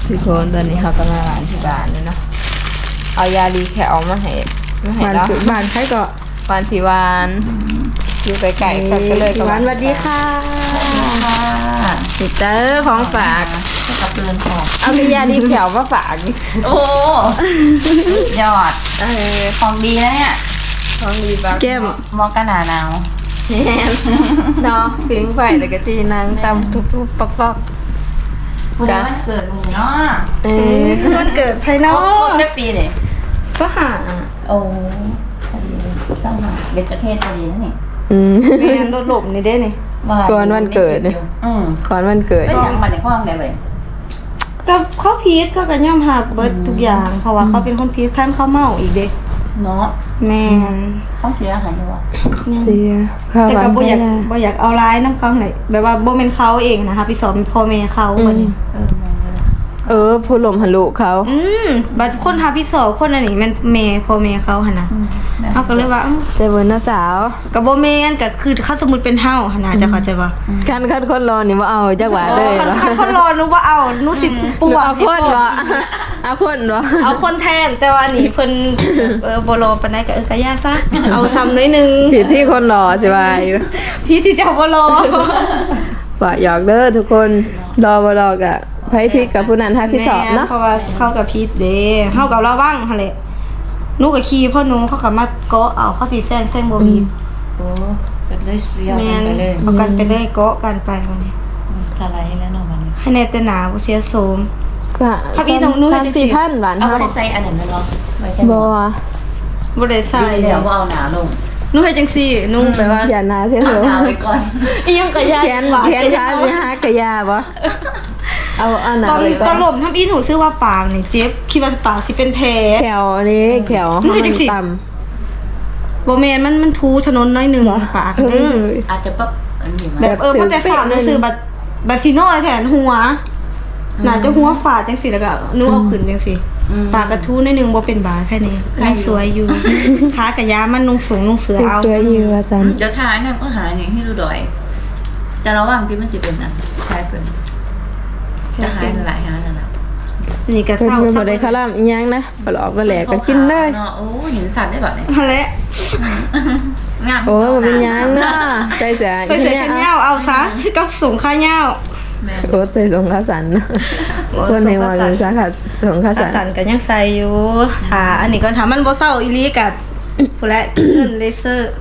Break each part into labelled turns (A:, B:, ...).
A: ทุกคนตอนนี้เขากำลังหลานที่บ้านเลยเนาะเอายาดีแคลมาให้เราบ้านใครก็บ้านพี่วานอยู่ไกลๆกันก็เลยพี่วานสวัสดีค่ะติดเจอของฝาก
B: กับเตือนของ
A: เอายาดีแคลมาฝาก
B: โอ้ยอดของดีนะเนี่ย
A: ของดีบ้าง
B: เก็บมองกันหนาว
A: เนาะฟิ้งไฟแต่กะจีนางตำทุบๆปอก
B: ๆจ้ะเกิดมึงเนาะ
A: มันเกิดภายนอก
B: จะปีเนี่ย
A: ก็หา
B: โอ้ต้องหาเบญจเพศพอดีนะนี่
A: แม่นรถหลบนี่ได้นี่ก่อนวันเกิดเนี่ยก่อนวันเกิด
B: เป็นอย่างมันในห้องได้เลย
A: กับเขาพีชก็กันย่อมหักเบิดทุกอย่างเพราะว่าเขาเป็นคนพีชท่านเขาเมาอีกเด็ก
B: เนาะ
A: แม่
B: เขาเสียหายอยู่วะ
A: เสียแต่ก็บ่อยากเอาร้ายน้ำเขาไหนแบบว่าบ่เป็นเขาเองนะคะพี่สอนพ่อแม่เขาคนนี้ผู้หลมหันลูกเขาบัดคนทาพี่สอคนอันนี้มันเมย์พ่อเมย์เขาหันนะเขาก็เลยว่าเจเวิร์นสาวกับโบเมนก็คือเขาสมมติเป็นเฮาหันนะจะเข้าใจป่ะคันคนรอนี่ว่าเอาจักหวาเลยคันคนรอนึกว่าเอานุสิปวดเอาคนวะเอาคนแทนแต่ว่านี่เพิ่นโบโลปานใดก็กะย่าซะเอาซ้ำน้อยนึงผิดที่คนรอใช่ไหมพี่ที่เจ้าโบโลว่าอยากเด้อทุกคนรอบ่รอกะไผพิกกับผู้นั้นถ้าพี่สอบเนาะเพราะว่าเข้ากับพีทเด้เข้ากับเราบ้างหั่นแหละนูกับคีพ่อนุ้งเขากับมาเกาะเอาเขาสิแซงบ่มี
B: โอ้เป็นเลยเสีย
A: ไปเลยเอากันไปเลยเกาะกันไปวันนี้
B: อะไรแล้วเนาะมัน
A: คะแนนแต่หนาบ่เสียโสมก็ถ้าพี่น้องนู้นจะ4,000บาท
B: เอาบ่ได้ใส่อันนั้นเนาะ
A: บ่ได้ใส่
B: เดี๋ยวบ่เอาหนาลง
A: นุ่งให้จังซี่นุ่งไปว่าอย่าหนาเสียเหรอ
B: หนาไปก่อน
A: อีหยังกะยาแขนขาสิหากะยาบ่เอาหนาตอนหล่มทำอีหนูชื่อว่าปางนี่เจ็บคิดว่าปางสิเป็นแผลแขวนี่แขวมันต่ำบ่แม่นมันทูถนนน้อยนึงปาก
B: อาจจะปั๊บอันนี้
A: แบบเพราะแต่สาวนั่นคือบัดซิโน่แทนหัวน่าจะหัวฝาดจังซี่แล้วก็นูเอาขึ้นจังซี่ปากกระทู้นิดนึงบ่เป็นบาแค่นี้ยังสวยอยู่ขากะยามันนุ่งสูงนุ่งเสือเอา
B: สวยอยู่ว่าซั่นเดี๋ยวทายนั่นก็หาอย่างให้ดูดอยแต่ระหว่างที่มันสิเป็นน่ะใช่เพิ่นจะหายหลายหานั่นน่ะ
A: นี่ก็เศร้าบ่ได้คาร่ำอีหยังนะบ่หลอกบ่แหลกก็กินเลย
B: เนาะโอ้เห็นสัตว์ได้แบบนี้
A: นั่นแหละ
B: งาม
A: โอ้บ่เป็นหยังเนาะใส่เสื้อแขนยาวเอาซะกับสูงขายาวโอ้ใส่สงขาสันคนในวันนี้ซะค่ะสงขาสันก็ยังใส่อยู่อันนี้ก็ถามมันบ่เศร้าอีหลีกับผู้ละเงินเลเซอร์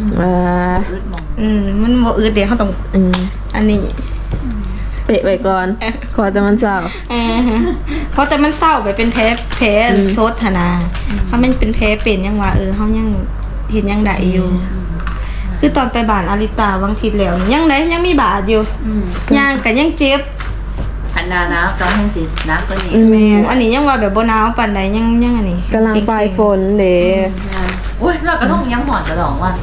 A: มันบ่อึดเดี๋ยวเขาต้องอันนี้เปะไว้ก่อนขอแต่มันเศร้าเพราะแต่มันเศร้าไปเป็นแผลโซดธนาถ้ามันเป็นแผลเป็นยังว่าเขายังเห็นยังได้อยู่คือตอนไปบ้านอาริตาบางทีแล้วยังได้ยังมีบาดอยู่ยังก็ยังเจ็บ
B: ทันดานะตอนแห้งสินะก็นี่
A: แม่อันนี้ยังว่าแบบบ่หนาวปานใดยังอันนี้กำลังปลายฝนเด้
B: โอ้ยเราก็ต้องยังหอดกระดองว่ะ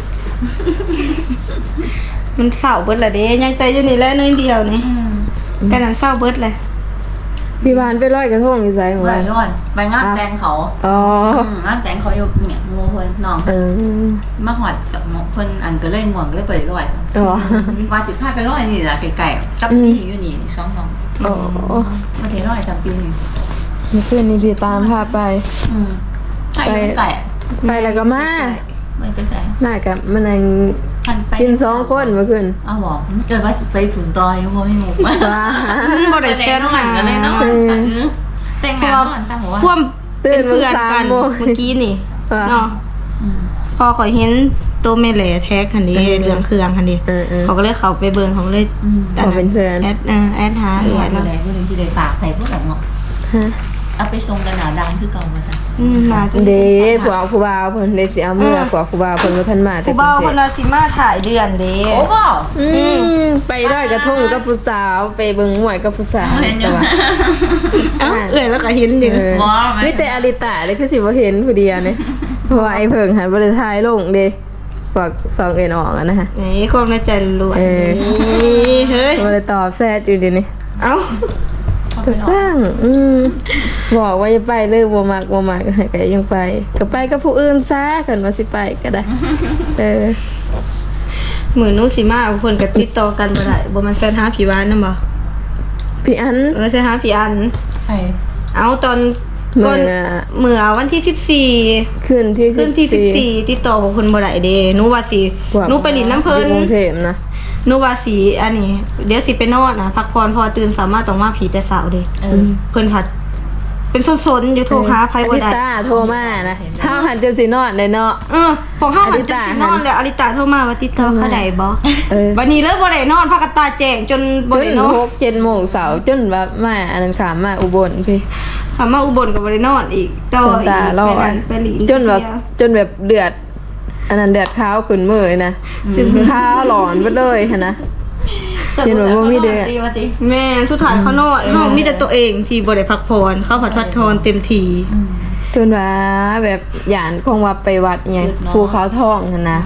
A: มันเศร้าเบิดละเด้ยังแต่อยู่นี่แหละน้อยเดียวนี่กันนั้นเศร้าเบิดเลยพี่บานไปลอยกระทงอยู่ไสหมู่
B: บ้านร้อนไปงานแต่งเขางานแต่งเขาอยู่เนี่ยงูเพิ่นน้องมาหอดกับเพิ่นอันก็เลยง่วงก็เลยไปลอยว่าสิพาไปลอยนี่ล่ะไกลๆกับที่อยู่นี่2มาเทลอยจำปีนี่
A: เมื่อคืนนี้พี่ตามพาไป
B: ไป
A: แล้วก็มา
B: ไปใส่
A: มากับมันนั่งกิน2คนเมื่อคืน
B: อ้าวบอกเกิดว่าไปผุนตอยเพราะไม่หมุกมา
A: บ่ได้แซ่บหา
B: กันเลยเนาะแต่งงานก่อนจ้าหัว
A: พ่วมเป็นเพื่อนกันเมื่อกี้นี่เนาะพอขอยเห็นตัวเมเล่แท็กคันนี้เรื่องเครื่องคันนี้เขาก็เลยเข้าไปเบิ่งเขาเลยเป็นเพื่อนแอดหา
B: แล้วผู้นึงสิได้ฝากไปพวกแบบเนาะเอาไปส่งกันหนาดังคือเก่าว่าซั่น
A: เด้ผัวผู้บ่าวเพิ่นได้สิเอาเมื่อผัวผู้บ่าวเพิ่นบ่ทันมาแต่ผู้บ่าวเพิ่นว่าสิมาถ่ายเดือนเด้
B: โอ้บ่
A: ไปลอยกระทงกับผู้สาวไปเบิ่งมวยกับผู้สาวแต่ว่าแล้วก็เห็นอยู่มีแต่อาริตาเลยคือสิบ่เห็นผู้เดียวนี่เพราะว่าไอ้เพิ่งหันบ่ได้ถ่ายลงเด้พวก2เอ็นออกอ่ะนะฮะนี่ความในใจล้วนเฮ้ยบ่ได้ตอบแซดอยู่ดินี่เอ้าก็สร้างบอกว่าจะไปเลยบ่มักก็ยังไปก็ไปกับผู้อื่นซะกันว่าสิไปก็ได้มื้อนู้นสิมาเพิ่นก็ติดต่อกันบ่ได้บ่มันเซ็นหาพี่วานนำบ่พี่อันเซ็นหาพี่อัน
B: ไป
A: เอาตอนก่อนเมื่อวันที่14
C: ขึ้นที่
A: ขึ้นที่14ติดต่อของคนบ่ได้เด้หนูว่าสิหนูไปหลินน้ำเพิ่น
C: กรุงเทพนะ
A: หนูว่าสิอันนี้เดี๋ยวสิไปนอนนะพักผ่อนพอตื่นสามารถต้องมาผีแต่เช้าเด้เพิ่นผัดเป็นสนๆอยู่โทรหาไผบ่ได้
C: อลิตาโทรมานะห้าหันจะสินอนเลยเนาะ
A: ของเฮาหันจะสินอนแล้วอลิตาโทรมาว่าติดต่อเขาได้บ่
C: อ
A: บัดนี้เลยบ่ได้นอนพักกตาแจ้งจนบ่
C: จน
A: ได้นอน
C: 6-7 โมงเสาร์จนแบบมาอันนั้นขามาอุบลพี่
A: สามารถอุบลก็บ่ได้นอนอีกต่อ
C: จนตาลอย
A: ไปหลิน
C: จนแบบเดือด อันนั้นเดือดข้าวขึ้นมือนะจนข้าวหลอนไปเลยหั่นนะ เห็นแบบว่ามีเดือด
A: แม่สุดท้ายเขานอนเฮามีแต่ตัวเองที่บ่ได้พักผ่อนเขาพักผ่อนเต็มที่
C: จนว่าแบบหยานคงว่าไปวัดไงภูเขาทองหั่นนะ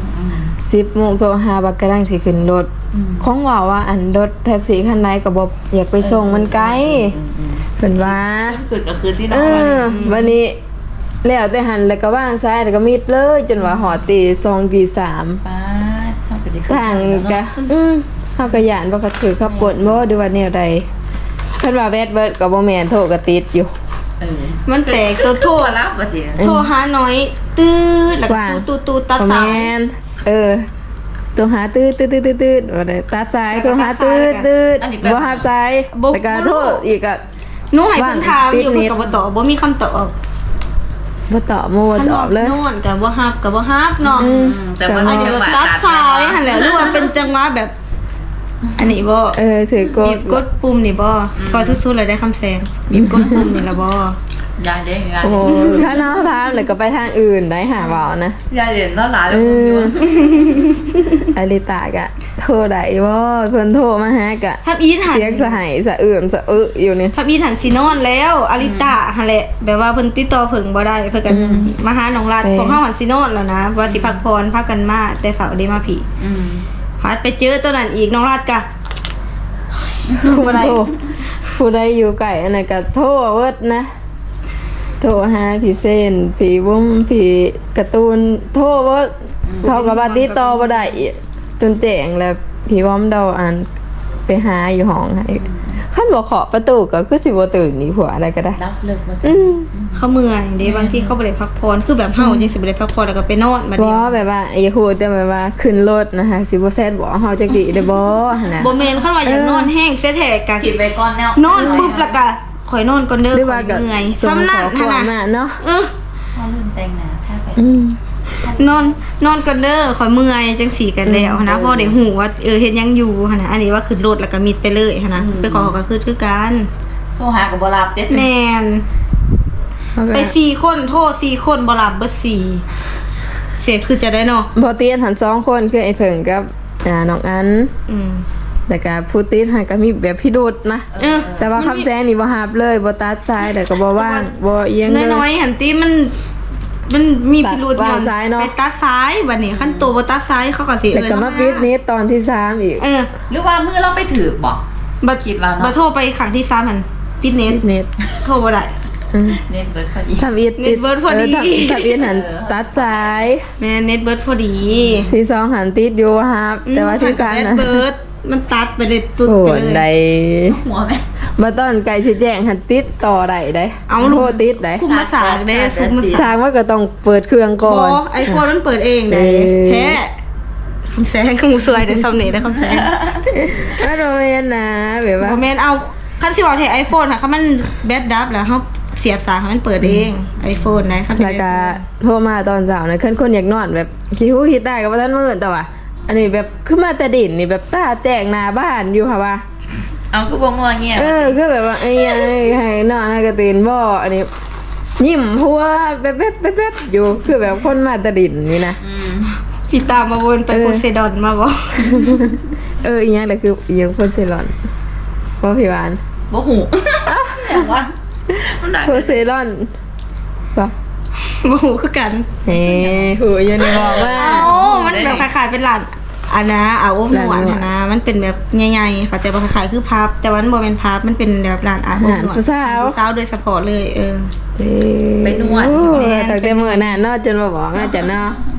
C: 10 โมงโทรหาบักกะลังสิขึ้นรถคงว่าอันรถแท็กซี่คันใดก็บ่อยากไปส่งมันไกลเพิ่นว่า
B: ขึ้นก็คือที่น
C: เอ
B: อน
C: อวันนี้แล้วแต่หันแล้วก็ว่างซ้ายแล้วก็มิดเลย จนว่าหอตี2ตี3
B: ป้าทำกันจะ
C: ต่างกะเฮาก็ย่านบ่ก็ถือขับกดบ่หรือว่าแนวใดเพิ่นว่าแบดเบิดก็บ่แม่นโทรก็ติดอยู่
A: มันแปลกตัวโทร
B: รับว่าจี
A: โทรหาน้อยตืดแล้วก็
C: ว่าง
A: ตูตัด
C: บ่
A: สา
C: แม่
A: ย
C: นโทรหาตืดว่าได้ตัดสายโทรหาตืดบ่รับสายแล้วก็โทรอีกก็
A: หนูให้เพิ่นถามอยู่
C: ติด
A: เพิ่น
C: นิด
A: ก็บ่ตอบบ่มีคำตอบ
C: บ่ตอบบ่ตอบเลย
A: นอนก็บ่ฮับก็บ่ฮับเนาะ
B: แต่มัน
A: อันนี้
B: จังหวะ
A: ตัดสายหั่นแหละหรือว่าเป็นจังหวะแบบ อันนี้บ่
C: ถือก
A: บี
C: ด
A: บกดปุ่มนี่บ่พอสุดๆเลยได้คำแสงบีบกดปุ่มนี่ล่ะบ่
B: ยายเด้ยาย
C: โอ้ถ้าน้องถามแล้วก็ไปทางอื่นได้หาเว้านะ
B: ยายเด่นต้อนหลานแล้วมึงอยู่
C: อลิตากะโทรได้บ่เพิ่นโทรมาหากะ
A: ทับอีหัน
C: เสียงสะไหายสะอื้นสะอึอยู่นี่
A: ทับอีหันสินอนแล้วอลิตาหั่นแหละแบบว่าเพิ่นติดต่อเพิ่งบ่ได้เพิ่นก็มาหาน้องรัดของเฮาหันสินอนแล้วนะว่าสิพักผ่อนพากันมาแต่เสาร์ได้มาผี พัดไปเจอตัวนั้นอีกน้องรัดกะบ่ได้
C: โทรผู้ใดอยู่ไกลอันนั้นก็โทรเวิดนะโทรหาพี่เส้นพี่บุ้มพี่การ์ตูนโทรเวิดเขาก็บ่ติดต่อบ่ได้อีกจนแจ้งแล้วพี่วอมเดาอันไปหาอยู่ห้องให้คันบ่เคาะประตูก็คือสิบ่ตื่นนี่ผัวอะไรก็ได้
B: รับเลิกมา
A: เขาเมื่อยเด้บางทีเขาบ่ได้พักผ่อนคือแบบเฮาจังสิบ่ได้พักผ่อนแล้วก็ไปนอนบัด
C: บ่
A: นี้
C: แบบว่าอย่าพูดแต่แบบว่าขึ้นรถนะคะสิบ่แซ่ดบ่เฮาจักดิได้บ่หั่นน่ะ
A: บ่แม่นคันว่าอยากนอนแห้งเสียแท้กะ
B: ผิดไปก่อนแล้ว
A: นอนปุ๊บแล้วก็ข่อยนอนก่อนเด้อ
C: หรือ
A: ข่
C: ว่า
A: อย
C: ก็
A: เมื่อย
C: ส่ง
A: ซ้ำนั่น
C: ขอ
A: หั่น
C: ความ
A: น่ะ
C: มาเนาะ
B: พ่อลืมแต่งหน้าถ้าไป
A: นอนก่อนเด้อข่อยเมื่อยจังสี่กันแล้วนะพอได้ฮู้ว่าเฮ็ดหยังอยู่หั่นน่ะอันนี้ว่าขึ้นรถแล้วก็มิดไปเลยหั่นน่ะไปขอเขาก็คือกัน
B: โทรหากับบรับเด็ด
A: แม่นไป4คนโทร4คนบ่รับเบิด4เสียคือจะได้เนาะ
C: บ่ติดหัน2คนคือไอ้เพิ่งกับน้องอัน
A: อืม
C: แต่ก็ผู้ติดหันก็มีแบบพิรุธนะ แต่ว่าคำแซงนี่บ่ฮับเลยบ่ตัดสายแต่ก็บ่ว่างบ่เอียงเลย
A: น้อยๆหันติมันมีพิรุธ
C: ตัด
A: ย้อน
C: ซ้ายเนาะ
A: ไปตัดซ้ายบัดนี้คันโตบ่ตัดซ้ายเขาก็สิ
C: แล้วก็มาปิดนี้ตอนที่3อีก
B: หรือว่ามือเราไปถือบอก
A: บัด
B: คิดว่าเนาะ
A: บัดโทรไปครั้งที่3หั่นปิดเน็ต
C: เน็ต
A: โทรบ่ได้
B: เน็ตเบิร์ดพอดี
C: ทำอีท
A: เน็ตเบิดพอดี
C: ทำอีทหันตัดสาย
A: แม่เน็ตเบิดพอดี
C: ที่2หันติดอยู่ฮับแต่ว่าที่3
A: เน็ต
C: นะ
A: เบิดมันตัดไปเลยตุ๊ด
C: โห
A: ไป
C: น
A: เล
C: ใด
A: ย
B: หัวไหม
C: มาตอนไก่สิแจ้งหันติดต่อได้ได้
A: เอา
C: โทรติดได้
A: คุมมาสากได้คุมมา
C: ส
A: สาก
C: ร้างว่าก็ต้องเปิดเครื่องก่อน
A: ไอโฟนมันเปิดเองได้แท้คำแสงคำสวยได้สำเนียงได้คำแสง
C: ไม่โดนนะแบบว่า
A: บ่แม่นเอาคันสิว่าแท้ iPhone ค่ะคันมันแบตดับแล้วเฮาเสียบสายให้มันเปิดเอง iPhone นะคันเป็น
C: แล้วก็
A: iPhone
C: โทรมาตอนเช้านะคนอยากนอนแบบคิดหูคิดได้ก็บ่ทันมื้อแต่ว่าอันนี้แบบขึ้นมาแต่ดินนี่แบบตาแจ้งหน้าบ้านอยู่ค่ะว่า
B: เอาก็บงงเงี้ย
C: คือแบบว่าไอ้ให้นอนให้กระตื่นบ่อันนี้ยิ้มหัวแป๊บๆอยู่คือแบบคนมาแต่ดินนี่นะ
A: พี่ตามมาวนไปโพไซดอนมาบ่
C: อีหยังแต่คืออีหยังคนเซรอนบ่พี่หวาน
B: บ่หูอย่างว่ามันได้
C: โพเซรอนป่ะ
A: บ่ฮู้คือกัน
C: หูอยู่ในบอกว่า
A: มันแบบคล้ายๆเป็นร้านอันนะอาบอบนวดนะมันเป็นแบบใหญ่ๆเขาใจบ่คล้ายๆคือพับ แต่ว่ามันบ่เป็นพับมันเป็นแบบร้านอาบอบนวด
C: สาว
A: สาวโดยเฉพาะเลย
B: ไปนวด
C: แต่เมื่อนั้นเนาะจนมาบอกน่าจะเนาะ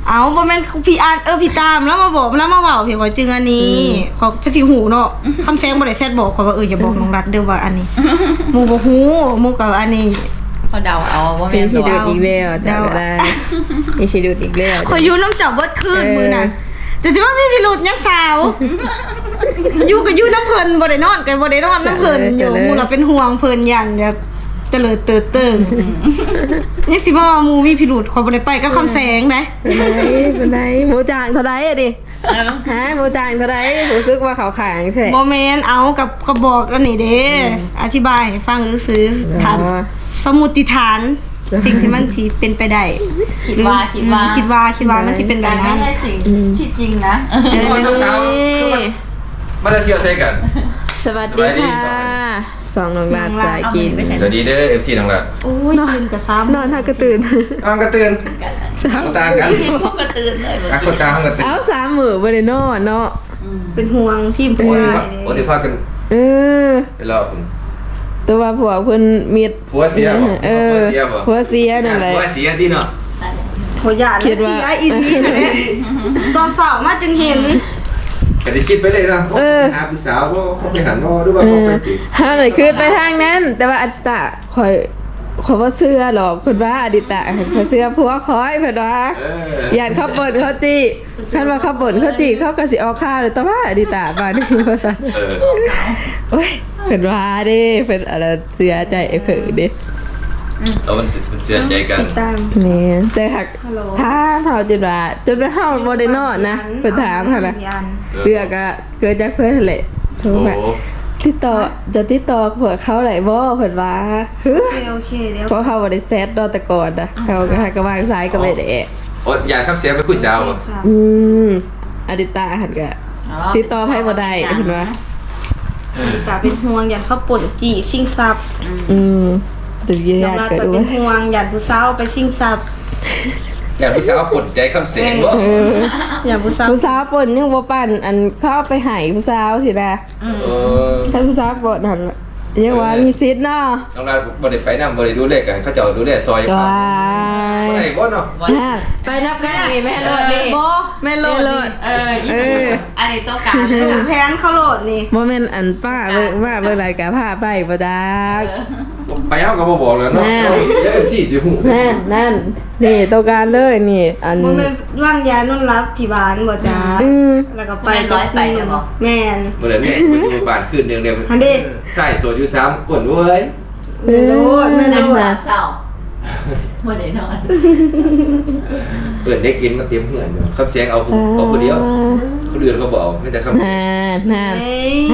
A: เอาบ่แม่นพี่อ่านพี่ตามแล้วมาบอกแล้วมาเว้าพี่ขอยจึงอันนี้ขอไปสิหูเนาะคำแซงบ่ได้แซดบอกขอยว่าอย่าบอกน้องรัดเด้อว่าอันนี้หมู่บ่ฮู้หมู่กับอันนี้
B: เขาเดาเอาว่า
C: เป็
B: แม่
C: น
B: น
C: พี่
B: ตัว
C: ดูดอีกแล้วจ้าได้มีพี่ดูดอีกแล้ว
A: ขอยอยู่น้ำจับเบิดคืนมื้อน่ะแต่สิว่าพี่พิรุธยังสาวอยู่ก็อยู่น้ำเพิ่นบ่ได้นอนก็บ่ได้นอนน้ำเพิ่นอยู่หมู่เราเป็นห่วงเพิ่นยันแบบเตลิดเติดเติงยังสิบ่ว่าหมู่มีพิรุธขอยบ่ได้ไปกับคำแสงได้
C: เป็นไงหมูจางเท่าไรอะดิฮะหมูจางเท่าไรรู้สึกว่าเขาขายแท้
A: บ่แม่นเอากับกระบอกอันนี้เด้อธิบายให้ฟังซื่อๆถามสมมุติฐานสิ่งที่มันสิเป็นไปได้
B: คิดว่า
A: คิดว่ามันสิเป็นแบ
B: แต่
A: บ
B: ไม่
A: นั้น
B: ใช่สิ่งที่จริงนะ
D: คนสาวๆคือมาได้เที่ยวใส่กัน
C: สวัสดีค่ะสองน้องลาดสายกิน
D: สวัสดีเด้อ FC น้องรัด
A: โอ้ยตื่นกับซ้ำ
C: นอนท่ากระตื่น
D: อ้าวกระเตือน
B: กัน
D: คนตากัน
B: พวกกระตือนเลย
D: อ่ะคนตาห้องกระเตือน
C: เอาสามมือบริโนอนเนาะ
A: เป็นห่วงทีมผู้ชาย
D: โอ้ที่พากัน
C: เออ
D: ไปรอผม
C: ตัวผัวเพิ่นมีด
D: ผัวเสียบ่
C: เออ
D: ผัวเสียบ่
C: ผัวเสียนั่นแหละ
D: ผัวเสียที่เนาะ
A: โหยาด
C: คิดว่า
A: เสียอีนี่แหละตอนสาวมาจึงเห็น
D: ก็จะคิดไปเลยนะหาผู้สาวบ่เขาไปหันบ่หรือว่า
C: เอ
D: เขา
C: อ
D: ไปติด
C: ห้าเลยคือไปทางนั้น แต่ว่าอัตตะคอยว่าเสื้อหรอกเพิ่นว่าอดิตะคอยเสื้อผัวคอยเพิ่นว่า
D: เ
C: ยานเขาบ่นเขาจี้คันว่าเขาบ่นเขาจี้เขาก็สิออกข้าวเลยแต่ว่าอดิตาบ้านนี้ว่าซั่น
D: เออ
C: โอ้ยเพิ่นว่าเด้เพิ่นอะไรเสียใจไอ้เพิ่นเด้
D: เอามันเสียใจกัน
A: ติดตาม
C: แม่แต่หัก
A: ฮัลโหล
C: ถ้าเฮาจนว่าเฮาบ่ได้นอนนะเพิ่นถามหั่นน่ะเรื่องก็เกิดจากเพิ่นนั่นแหละโทร
D: โอ้
C: มาติดต่อผัวเขาได้บ่เพิ่นว่าฮึ
A: โอเคเดี๋ยว
C: เพราะเขาบ่ได้แซดดอกแต่ก่อนนะเขาก็ให้ก็วางซ้ายก็ไม่ได้
D: โอ้อยากขับเสียไปคุยสาวบ่
A: ค่ะ
C: อืมอดิตาหันก็ติดต่อไผบ่ได้เห็นว่า
A: ตาเป็นห่วงยันเขาป่นจีชิงซับ
C: อืมจะเยีย
A: ยอม
C: ด
A: รับ
C: เกิด
A: ไป
C: ด้ว
A: เป็
C: ย
A: นห่วงยันผู้สาวไปชิงซับ
D: อยากผู้สาวปลดใจคำเสียงบ่
A: ยันผู้สาว
C: ผู้สาวปนยังบ่ปั่นอันเข้าไปใหายผู้สาวสินะ
D: เออ
C: ถ้าผู้สาวปนนั่นล่ะยังว่ามีสิทธิ์เนาะ
D: น้องรัดบ่ได้ไปนำบ่ได้ดูเลขกันเขาเจ้าดูแลซอย
C: ก็
D: เขา
C: ว่า
D: บ่ได้บ่เนาะ
C: ไปนับกันนี่แม่โลดนี่
A: บ่แม่โหลดนี่
B: อันนี้ตัวการเลย
A: แพนเขาโหลดนี่
C: บ่แม่นอันป้าเบิ่งว่าเบิ่งรายการพาไปบ่จัก
D: ไปเฮาก็บ่บอกแล้วเนาะ
C: แม่
D: เดี๋ยว FC สิฮู้
C: นั่นนี่ตัวการเลยนี่อัน
A: บ่แม่นว่างยานุ่นรับที่บ้านบ่จ้า
C: อืม
A: แล้วก็ไปแม่น
D: เมื่อนั้นเนี่ยไปดูบ้านคืนเดียวเดียว
A: อันนี้
D: ใช่โสดอยู่3คนเว้ย
A: ไม่รู้ไม่
B: นัก
A: รู้
B: ษาเศร้าเมื่อไหร่นอน
D: เปิดได้กินก็เตรียมเหือนอยู่คำเสียงเอาคนเดียวคนอื่นเขาบอกไม่แต่คำเสียง
C: นั่น
A: เอ้ย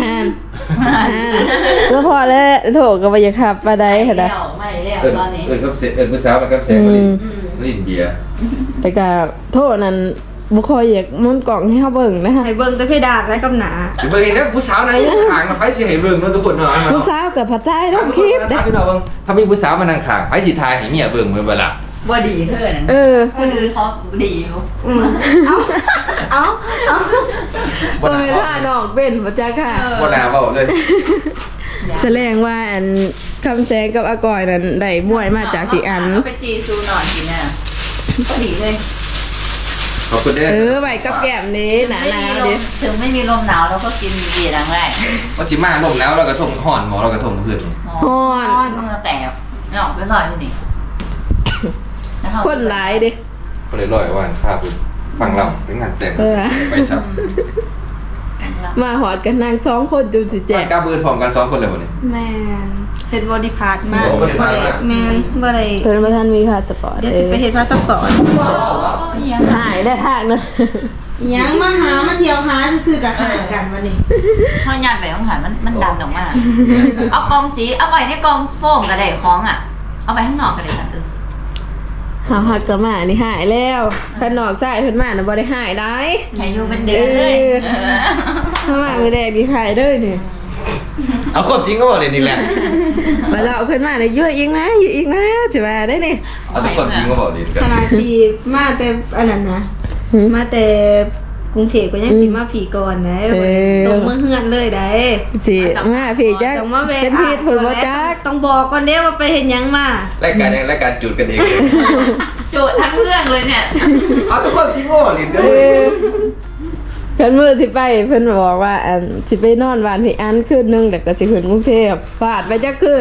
C: แล้วพอแล้วโถก็ไปอย่าขับมาได้ค่ะนะ
B: ไม่แล้ว
D: เอิญ
B: ตอนนี้
D: เอิญคำเสียงเอิญผู้สาวมาคำเสียงมาลินเบียร์
C: แต่ก็โทษนั้นบุคอยอยากมุนกล่องให้เขาเบิ่งนะคะ
A: ให้เบิ่งแต่เพดานและกับหนา
D: เบิ่งนะผู้สาวไหนยังขางนะไฟสิให้เบิ่งเนาะทุกคนเนาะ
C: ผู้สาวกับผัดไทยต้องคลิป
D: ถ้าพี่น้องเบิ่งถ้ามีผู้สาวมานั่งขางไฟสิทายให้เมียเบิ่งเมื่อเวลา
B: ว่าดีเธอนั่น
C: เออ
B: คือเขาดีอยู่
A: เอา
C: เปิดท่าน้องเป็นบ่จ้าค่ะ
D: บ่น่าเว้าเลย
C: แสดงว่าอันคำแสงกับอากอยนั้นได้มวยมาจากที่อัน
B: ไปจีซูนอนกินน่ะก็ดีเลย
D: ขอบคุณเด้อ
C: ไว้กับแก้มนี้หนาๆดิ
B: ถึงไม่มีลมหนาวเราก็กินเบียร์ดังแรก
D: ว่าสิมาลมแล้วเราก็ท่งห่อนหมอเราก็ท่งเพื่อน
B: ฮ้อนมึงแตกออกไปหน่อยนี่
C: คนหลายดิ
D: ก็เลยลอยว่านข้าบุญฟังเราเป็นงานแต่งไปซับ
C: มาหอดกันนาง2คนจูสิแจ
D: แจก
C: ก
D: กาเบิร์นพร้อมกัน2คนเลยวันนี้
A: แม่นเฮ็ดบอดี้พาร์ทมาก
D: โอ้ body part มาก
A: แม่นบ่ได้
C: เพิ่นบ่ทันมีพาสปอร์ต
A: เดี๋ยวสิไปเฮ็ดพาสปอร์ต
C: หายได้ทางนะ
A: ยังมาหามาเที่ยวหาซื่อๆกับหากันวันนี้
B: ท่อนยานไปต้องหันมันดังออกมาเอากองสีเอาไปในกองโฟมกระไดคล้องอ่ะเอาไปข้างนอกกระไดสันตึ้ง
C: หาหักกะมานี่หายแล้วขนอกใจเพิ่นมาน่ะบ่ได้หายได้
B: อายุเป็นเดือนเลย
C: ถ้ามามื้อแรกนี่หายเด้อนี่
D: เอาความจริงก็บอกเลยนี่แหละ
C: มาเราเพิ่นมาน่ะอยู่อีกนะสิว่าได้นี่
D: เอาทุกความจริงก็บอกเลยกัน
A: ขณะที่มาแต่อันนั้นนะมาแต่กรุงเทพก็ยังสิมาผีก่อนนะตรงเมืองเฮือนเลยได้
C: สิมาพี่จัก
A: ต้องมาแวะ
C: เป็นผิดผลบ่จัก
A: ต้องบอกก่อนเด้ว่าไปเห็นหยังมาร
D: ายการจุดกันเองเลย
B: โจทย์ทั้งเรื่องเลยเนี่ย
D: เอาทุกคนที่โง่ลินกัน
C: เอ
D: เลย
C: อเพิ่นมื้อสิไปเพิ่นบอกว่าสิไปนอนบ้านพี่อันคืนนึงแต่ก็สิขึ้นกรุงเทพฟาดไปจักคืน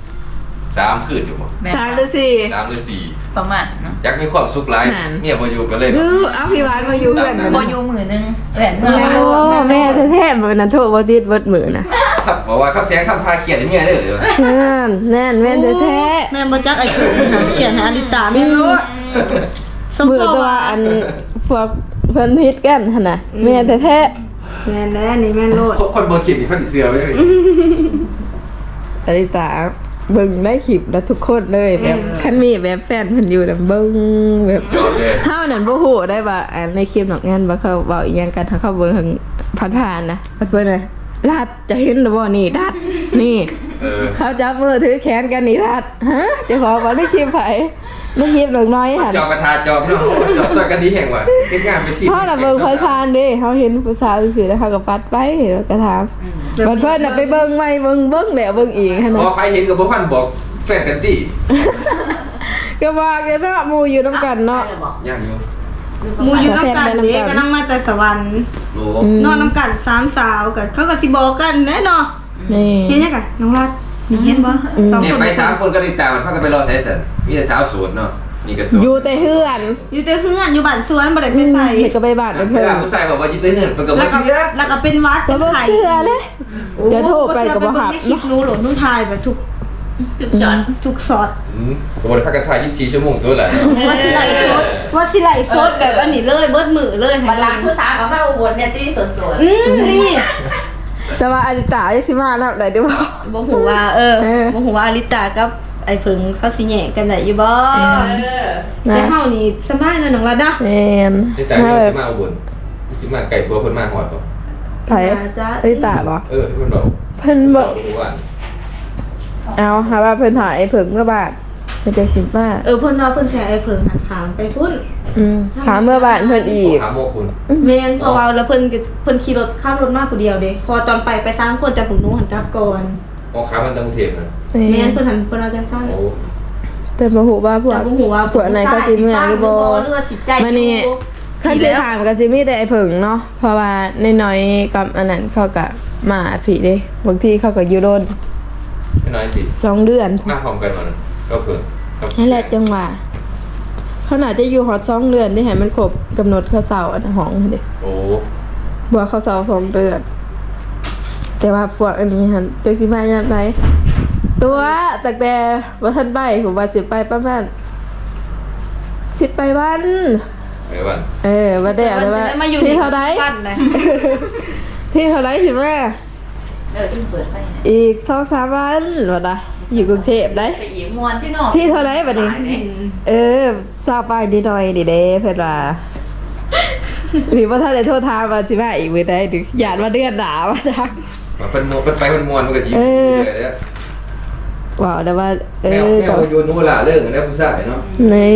D: 3 คืนอยู่บ่
B: แม่น
C: 3หรือ
D: 3 หรือ
B: ประมาณเนาะ
D: 4อยากมีความสุขหลาย
C: นั่น
D: เมียบ่อยู่กันเลย
C: 4เอาพี่หวานมาอยู่เพื่อน
B: พออยู่มือนึงแหวนเมื่อ
C: โอ้
B: วาน
C: แม่แท้ๆมื้อนั้นโทรบ่ติดเบิดมื้อน่ะ
D: ครับบอกว่าคำแสงคำพาเขียนให้เมียเด้อ
C: แน่นแม่นแท้
A: แม่บ่จักไอ้เขินเขียนหาอลิตาแม่รู้สม
C: ๆมื้อ
A: พอ
C: ตัว
A: ว่า
C: อันพวกเพิ่นฮิตกันหั่นน่ะแม่นแท้
A: แม่นแล้วนี่แม่นโลด
D: คนบ่คิดนี่เพิ่นสิเชื่อไว้เลย
C: ๆอริตาเบิ่งได้คลิปแล้วทุกคนเลยแบบคันมีแบบแฟนเพิ่นอยู่น่ะเบิ่งแบบ
D: จบเลย
C: เฮานั่นบ่ฮู้ได้ว่าในคลิปนอกงานว่าเขาเว้าอีหยังกันถ้าเขาเบิ่งทางผ่านๆนะเพิ่นน่ะรัดจะเห็นบ่นี่รัดนี่ เขาจับมือถือแขนกันนี่รัดฮะเจะขอว่าได้คลิปไผได้คลิปหลงน้อยหั่น
D: จอบกระทาจอบเนาะจอบซอยกันดีแห่งว่ะเฮ็ดงานเป็นทีม
C: เพราะน่ะเบิ่งผ่านๆเด้เฮาเห็นผู้สาวซื่อๆแล้วเขาก็ปัดไปแล้วก็ถามบัดเพิ่นน่ะไปเบิ่งใหม่เบิ่งแล้วเบิ่งอีกหั่น
D: พ
C: น่ะ
D: อใครเห็นกับบ่พันบอกแฟนกันติ
C: ก็ว่าแกเนาะหมู่อยู่นํกันเนาะ
D: ย่างอยู่
A: หมูอยู่น้ำกันเด็กกำลังมาแต่สวรรค์
D: โอ้
A: นอนน้ำกัน3 สาวกันเขาก็สิบอกกันแน่นอน
C: นี่
A: เห็นยังกันน้องรัดนี่เห็นบ่สอง
D: เนี่ย
A: คน
D: ไป3คนก็ติดตามมันพากันไปรอไทสันมีแต่สาวโสดเนาะนี่ก็โสด
C: อยู่แต่เฮือน
A: อยู่แต่เฮือนอยู่บ้านสวนบ่ได้ไปใส่
C: เฮ็ดก็ไปบ้าน
D: เว
C: เพิ่น
D: ลาผู้ชายบอกว่าจิตเต้นเงินมันก็
A: แล้
D: บ่
A: วก็
D: เชื่อ
A: แล้วก็เป็นวัด
C: ก็
A: เป็น
C: บ่
A: ไข่
C: เชื่อเลยเดี๋ยวโทรไปก็บ่ฮับ
A: ในคลิป
C: เนาะ
A: รู้หลหนูถ่ายแบบทุก
B: จุดจอด
A: ทุกซอด
D: ก็บ่ได้พักกันถ่าย24 ชั่วโมงตัวแหละ
A: ว่าสิไหลโซดว่าสิไหลโซดแบบอันนี้เลยเบิดมือเลย
B: บัลลังก์ผู้สาวกับพระอุบลเนี่ยที่สด
A: นี่
C: แต่ว่าอดิตาจะสิมาแล้วได้ดูบ่
A: บ่ฮู้ว่าบ่ฮู้ว่าอลิตากับไอ้เพิงเขาสิแหย่กันได้อยู่บ่
B: ๆ
A: แต่เฮานี่สบายเนาะน้องรัดเนาะ
C: แม่น
D: นี่แต่เรื่องสิมาอุบลสิมาไก่ตัวเพิ่นมาฮอดบ่
C: ไผอดิตาบ่
D: เพิ่นบอก
C: เพิ่นบ่
D: ทุกวัน
C: เอาหาว่าเพิ่นถ่ายไอ้เพิ่งเมื่อบาทเพิ่นจะสิมา
A: เพิ่นว่าเพิ่นสิให้ไอ้เพิงหันขามไปพุ่น
C: ถามเมื่อบาทเพิ่นอีก
D: ถามโมคุณ
A: แม่นเพราะว่าแล้วเพิ่นขี่รถข้ามรถมาผู้เดียวเด้พอตอนไป3คนแต่ผมหนูหันกลับก่อน
D: ของค้ามันตั้งกรุงเทพนะ
A: แม่นเพิ่นเอาจังซั่น
D: โอ้
C: แต่บ่ฮู้ว่าพวก
A: แต่บ่ฮู้ว่า
C: พวกไหนเขาสิเมื่อหรือบ่
A: หรือว่าสิใจ
C: มานี่คันสิถามก็สิมีแต่ไอ้เพิ่งเนาะเพราะว่าน้อยๆกับอันนั้นเขาก็มาพี่เด้บางทีเขาก็อยู่โดน
D: ไม่น้อยสิ
C: 2 เดือน
D: มาพร้อมกันมันก็เพิ่น
C: นั่นแหละจังหว่าเขาน่าจะอยู่ฮอด2 เดือนได้ให้มันครบกำหนดเขาเซาอันห้องเด้
D: โอ้
C: บัวเขาเซา2 เดือน แต่ว่าพวกอันนี้หันจักสิมาย่ํใดตัวตั้งแต่บ่ทันไปผมว่าสิไปประมาณ10ไปวัน
D: ไอ้วัน
C: ว่าได้อะไรว่า
A: มาอยู่
C: ที่เท่าใด
A: บ้านเลย
C: ที่เท่าใดสิแม่
B: ที่เปิดไฟ
C: อีก2-3 วันว่าได้อยู่กรุงเทพได้
B: ไปอีกมวนที่นอก
C: ที่เท่าใดบัดนี้ทราบไปนิดหน่อยดิเด้เพิ่นว่าหรือว่าถ้าได้โทษทามว่าสิมาอีกมื้อใดดึกญาติว่าเดือนหน้าว่าจัก
D: มาเพิ่นไปเพิ่นมวนมันก็สิอยู่เลยเด้อ
C: ว้าวแต่ว่า
D: แมวโยนนู่นล่ะเรื่องแล้วผู้ชายเนาะ
C: นี่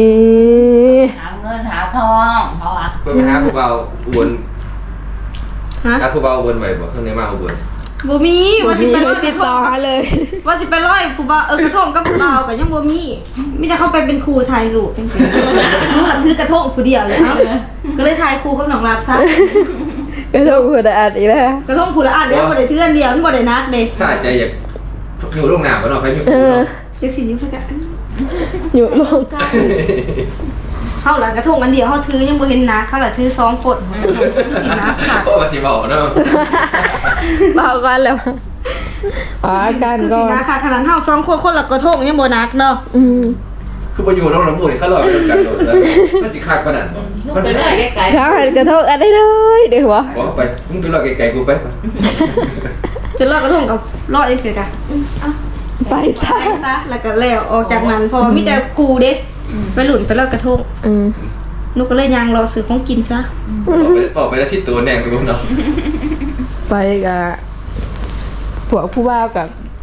B: หาเงินหาทองเพราะว่า
D: เพิ่นไปหาผู้เบาอุบล
A: ฮะ
D: หาผู้เบาอุบลไว้บ่เพิ่นได้มาอุบล
A: บ่มีว่าสิไปร้อย
C: ติดต่อหาเลย
A: ว่าสิไปร้อยผู้บ่าวกระทงกับผู้บ่าวก็ยังบ่มีมีแต่เขาไปเป็นครูถ่ายรูปจังซี่หนูน่ะถือกระทงผู้เดียวเลยเอ้าก็เลยถ่ายครูกับน้องรัดซะ
C: ก็โชคดีอัดอีกแล้ว
A: กระทงผู้ละอันเดียวบ่ได้ถืออันเดียวมันบ่ได้นักเด้
D: สาใจอยากอยู่โรงน้ำบ่เนาะไปอยู่
C: เออ
A: จังซี่อยู่เพิ่นก็
C: อยู่ลง
A: เฮาล่ะกระทงอันเดียวเฮาถือยังบ่เห็นนักเขาล่ะถือ2คนสินักค่ะ
D: โอ้ว่าสิเว้าเนาะ
C: เบากันแล้วอ๋อกัน
A: คือ
C: ก่อ
A: สิ
C: น
A: นักค่ะขนาดเฮา2คนคนละกระทงยังบ่นักเนาะ
D: คือบ่อยู่โรงน้ำมูนี่เขาลอยไปนำกันโดดแล้วมันสิคักปานนั้นบ่
B: ลูกไปเรื่อยไกล
C: ข้าวหันกระทงอันได้เลยเดี๋ยววะ
D: บอกไปมึงไปรอไกลๆกูไป
A: จนลอยกระทงก็รอดเองเสียจ้ะ
C: ไปซะ
A: ไปซะแล้วก็แล้วออกจากนั้นพอมีแต่ครูเด็กไปหลุนไปลอยกระทงหนูก็เลยยางรอซื้อของกินซะ
D: บอกไปแล้วสิตัวแนงไปบ่เนาะ
C: ไปกับพวกผู้บ่าวกับไป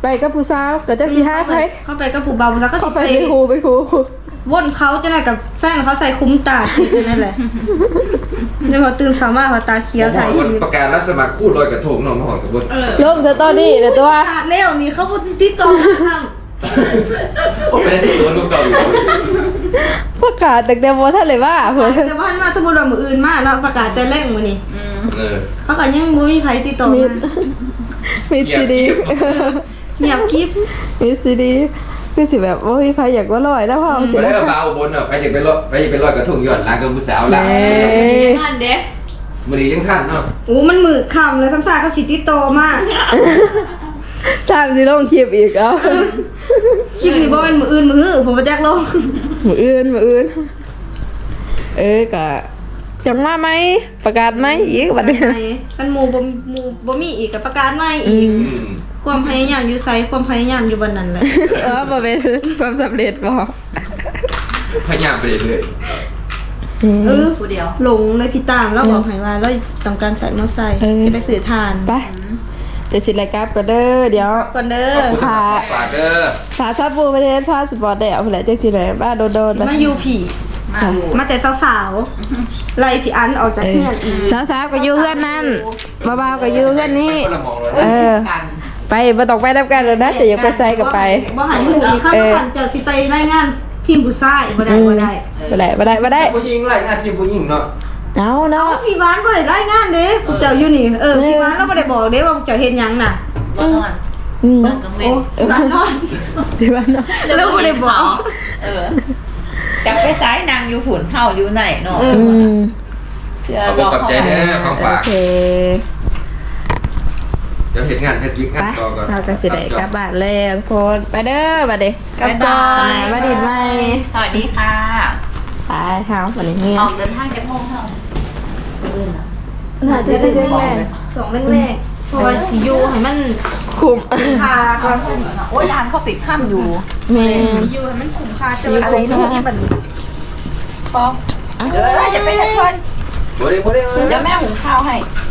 C: ไปกับผู้สาวก็จักสิหาไผ
A: เข้าไปกับผู้เบาแล้วก็
C: เข้า
A: สิ
C: ไป
A: ไป
C: เป็นครูเป็นครู
A: ว่นเขาจะน่ะกับแฟนเขาใส่คุ้มตาทีนั่นแหละเดี๋ยวพอตื่นสามารถพอตาเขียว
D: หม
A: ใส่
D: อ
A: ชี
D: วัน
A: วิต
D: ประกาศรับสมัครคู่ลอยกระทงน้องมาหอดกับบุญ
C: ลงสตอรี่เด้อตัว
A: ขาดเร็วนี่เขาพูดที่ตรงข้าง
D: โอ้เป็นสิตัวลูกเก่าอยู่
C: ประกาศแต่เดียวบ่ทันเลยว่าเพิ่น
A: แต่ว่ามาสมมุติว่ามื้ออื่นมาเนาะประกาศแต่แรกมื้อนี้
D: เออ
A: เขาก็ยังบ่มีใครติดต่อ
C: มี
A: มา
C: มีซีดี
A: เงียบกิ๊บ
C: มีซีดีคือสิแบบโอ้ยไผอยากว่าลอยแล้วพ่อสิ
D: ไม่ได้
C: นะ
D: เอาเบาบนอ่ะไปจะไปลอยกระทงย้อนหลังกับผู้สาวหลัง
B: ท่านเด้
D: มื้อนี้ยังทันเนาะ
A: โอ้มันมือค่ำเลยซ้ำซากเขาสิติดต่อมา
C: ทางสิลงคลิปอีกเอ้า
A: คลิปนี้บ่เป็นมื้ออื่นมื้อหื้อผมบ่แจกลง
C: มื้ออื่นก็จังว่าไหมประกาศไหมอีกบัดนี้
A: มันหมู่บ่มีอีกก็ประกาศใหม่อีก ความพยายามอยู่ไสความพยายามอยู่บนนั้นแหละ
C: บ่เป็นความสำเร็จบ่
D: พยายามไปเรื่อย
B: ผู้เดียว
A: หลงเลยพี่ตามแล้วบอกให้ว่าเราต้องการใส่มอไซค์สิไปสื่อทาน
C: ไปเดี๋ยวสิรายการก็เด้อเดี๋ยว
A: ก่อนเด้
D: ๆขอบ
A: อ
D: คุณสำหรับฝากเด้อ
C: พาซับบูประเทศพาสปอร์ตได้เอาไปแล้วจังสิได้บ้าโดนๆ
A: มาอยู่ผี
B: มาดู
A: มาแต่สาวๆไล่พี่อันออกจากเพื่อนอีก
C: สาวๆก็อยู่เฮือนนั่นบ่าวๆก็อยู่เฮือนนี้
D: คนละมองเลย
C: เออ
B: กัน
C: ไปบ่ต้องไปนํกันแล้วนะแต่อย่าไปใส่ก็ไป
A: บ่หันหูอีกข้าวสั่นเจอสิไปรายงานทีมผู้ชายบ่ได้
C: บ่ได้
D: ผู้หญิงไล่หน้าที่ผู้หญิงเนาะ
C: เอา
A: เอา
C: เนาะ
A: พี่บ้านบ่ได้รายงานเด้ผู้เจ้าอยู่นี่พี่บ้านเราบ่ได้บอกเด้ว่าผู้เจ้าเฮ็ดหยังน่ะ
B: ก็นอน
C: อืม
B: นอนกลางเว
A: โอ้
B: น
A: บ้านนอน
C: ที่บ้านเนาะ
A: แล้วบ่ได้บอก
B: จับไปซ้ายนางอยู่หุ่นเฮาอยู่ไหนเนาะ
C: อืม
D: ขอบคุณขอบใจเด้อของ
C: โอ
D: ฝาก
C: เค
D: เดี๋ยวเฮ็ดงานเฮ็ดวิก
C: ไป
D: งานต่อก่อน
C: เราจะสิได้กลับบ้านแล้วทุกคนไปเด้อบัดนี้กลับ
B: บ๊าย
C: ก่อบ
B: าย
C: นมาดินใหม่
B: สวัสดีค่ะ
C: ไปเฮาบัดนี้เฮีย
B: ออกเดินทางจะโมงเท่าอื่นอ่ะ
C: น่าจะได้แม่
A: สองแรกๆเพราะว่าสิอยู่ให้มัน
C: คุม
A: พาก่อน
B: โอ้ยร้านเขาปิดค่ำอยู่
C: แม่
A: อยู่ให้มันคุ้มค่าเจ
C: อยู่
A: อ
B: อะไรนู่นนี่มันพอเดี๋ยวจะไปทักคน
D: บ่ได้
B: เดี๋ยวแม่หุงข้าวให้